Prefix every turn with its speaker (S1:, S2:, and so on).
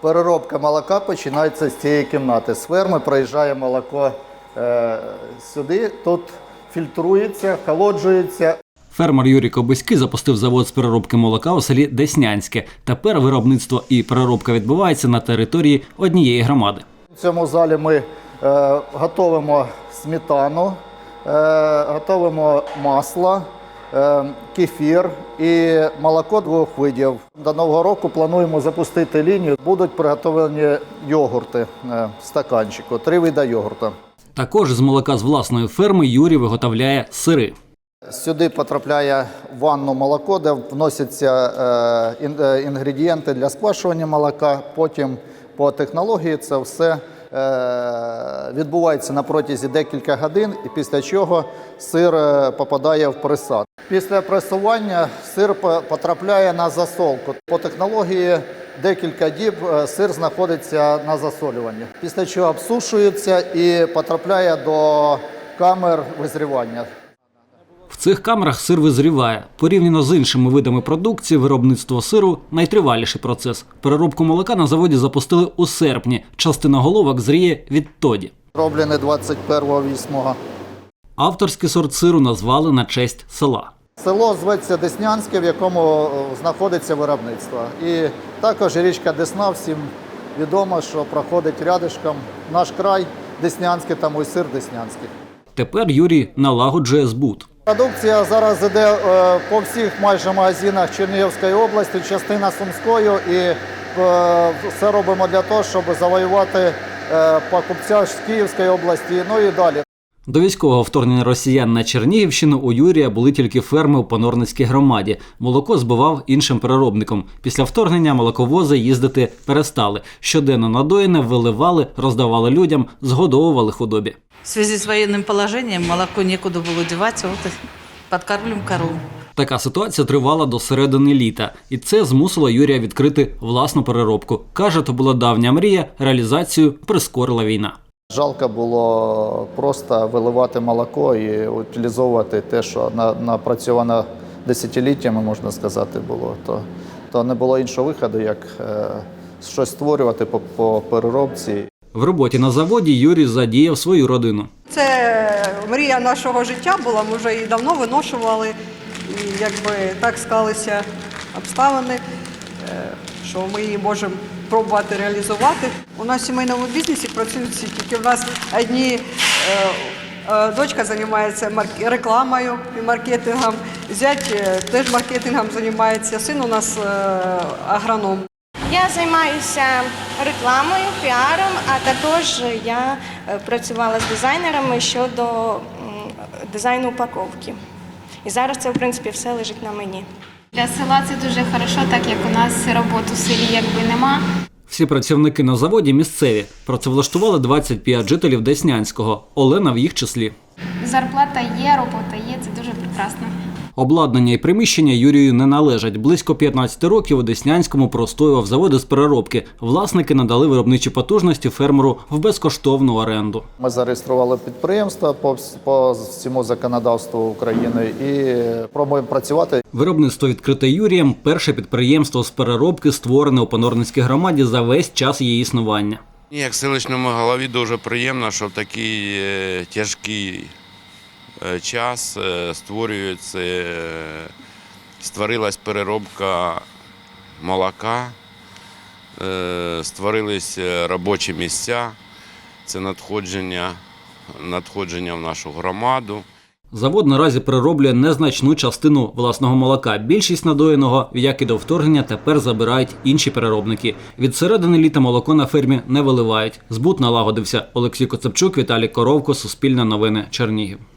S1: Переробка молока починається з цієї кімнати. З ферми проїжджає молоко сюди, тут фільтрується, холоджується.
S2: Фермер Юрій Кобиський запустив завод з переробки молока у селі Деснянське. Тепер виробництво і переробка відбувається на території однієї громади.
S1: В цьому залі ми готуємо сметану, готуємо масло, кефір і молоко 2 видів. До Нового року плануємо запустити лінію. Будуть приготовлені йогурти в стаканчику, 3 види йогурту.
S2: Також з молока з власної ферми Юрій виготовляє сири.
S1: Сюди потрапляє в ванну молоко, де вносяться інгредієнти для сквашування молока. Потім по технології це все відбувається на протязі декілька годин, і після чого сир попадає в пресат. Після пресування сир потрапляє на засолку. По технології декілька діб сир знаходиться на засолюванні. Після чого обсушується і потрапляє до камер визрівання.
S2: В цих камерах сир визріває. Порівняно з іншими видами продукції, виробництво сиру – найтриваліший процес. Переробку молока на заводі запустили у серпні. Частина головок зріє відтоді.
S1: Роблений 21.08.
S2: Авторський сорт сиру назвали на честь села.
S1: Село зветься Деснянське, в якому знаходиться виробництво. І також річка Десна, всім відомо, що проходить рядишком наш край Деснянський, тому і сир Деснянський.
S2: Тепер Юрій налагоджує збут.
S1: Продукція зараз йде по всіх майже магазинах Чернігівської області, частина Сумської, і все робимо для того, щоб завоювати покупця з Київської області, ну і далі.
S2: До військового вторгнення росіян на Чернігівщину у Юрія були тільки ферми у Понорницькій громаді. Молоко збивав іншим переробникам. Після вторгнення молоковози їздити перестали. Щоденно надоїне виливали, роздавали людям, згодовували худобі.
S3: В связи с военным положением молоко некуда было девать, вот и подкармливаем корову.
S2: Така ситуація тривала до середини літа. І це змусило Юрія відкрити власну переробку. Каже, то була давня мрія, реалізацію прискорила війна.
S1: Жалко було просто виливати молоко і утилізовувати те, що напрацьовано десятиліттями, можна сказати, було. То не було іншого виходу, як щось створювати по переробці.
S2: В роботі на заводі Юрій задіяв свою родину.
S4: Це мрія нашого життя була, ми вже її давно виношували. І якби так склалися обставини, що ми її можемо пробувати реалізувати. У нас в сімейному бізнесі працюють всі, тільки в нас дочка займається рекламою і маркетингом, зять теж маркетингом займається, син у нас агроном.
S5: Я займаюся рекламою, піаром, а також я працювала з дизайнерами щодо дизайну упаковки. І зараз це, в принципі, все лежить на мені.
S6: Для села це дуже хорошо, так як у нас роботи в селі якби нема.
S2: Всі працівники на заводі місцеві. Працевлаштували 25 жителів Деснянського. Олена в їх числі.
S6: Зарплата є, робота є, це дуже прекрасно.
S2: Обладнання і приміщення Юрію не належать. Близько 15 років у Деснянському простоював заводи з переробки. Власники надали виробничі потужності фермеру в безкоштовну оренду.
S1: Ми зареєстрували підприємство по всьому законодавству України і пробуємо працювати.
S2: Виробництво відкрите Юрієм – перше підприємство з переробки, створене у Понорницькій громаді за весь час її існування.
S7: Як селищному голові дуже приємно, що в такий тяжкий час створилась переробка молока, створились робочі місця, це надходження в нашу громаду.
S2: Завод наразі перероблює незначну частину власного молока. Більшість надоєного, як і до вторгнення, тепер забирають інші переробники. Від середини літа молоко на фермі не виливають. Збут налагодився. Олексій Коцепчук, Віталій Коровко, Суспільне новини, Чернігів.